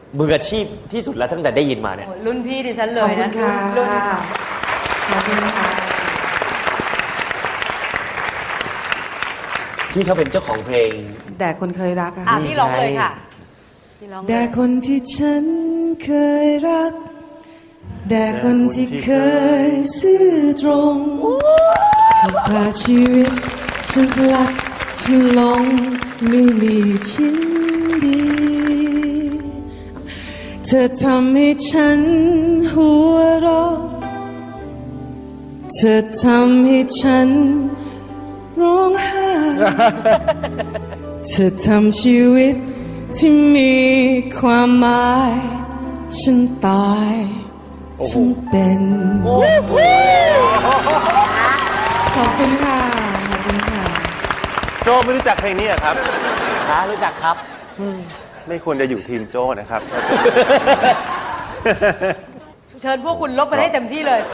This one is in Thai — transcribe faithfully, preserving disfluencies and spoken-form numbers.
มืออาชีพที่สุดแล้วตั้งแต่ได้ยินมาเนี่ยรุ่นพี่ดิฉันเลยนะขอบคุณค่ะขอบคุณค่ะพี่เขาเป็นเจ้าของเพลงแต่คนเคยรักอะอ่ะพี่ร้องเลยค่ะพี่ร้องเลยแต่คนที่ฉันเคยรักแต่คนที่เคยซื่อตรงที่พาชีวิตฉันพลัดฉันหลงไม่มีชิ้นดีเธอทำให้ฉันหัวเราะเธอทำให้ฉันร้องไห้เธอทำชีวิตที่มีความหมายฉันตายฉันเป็นขอบคุณค่ะขอบคุณค่ะโจไม่รู้จักเพลงนี้เหรอครับฮะรู้จักครับไม่ควรจะอยู่ทีมโจนะครับเชิญพวกคุณลบกันให้เต็มที่เลย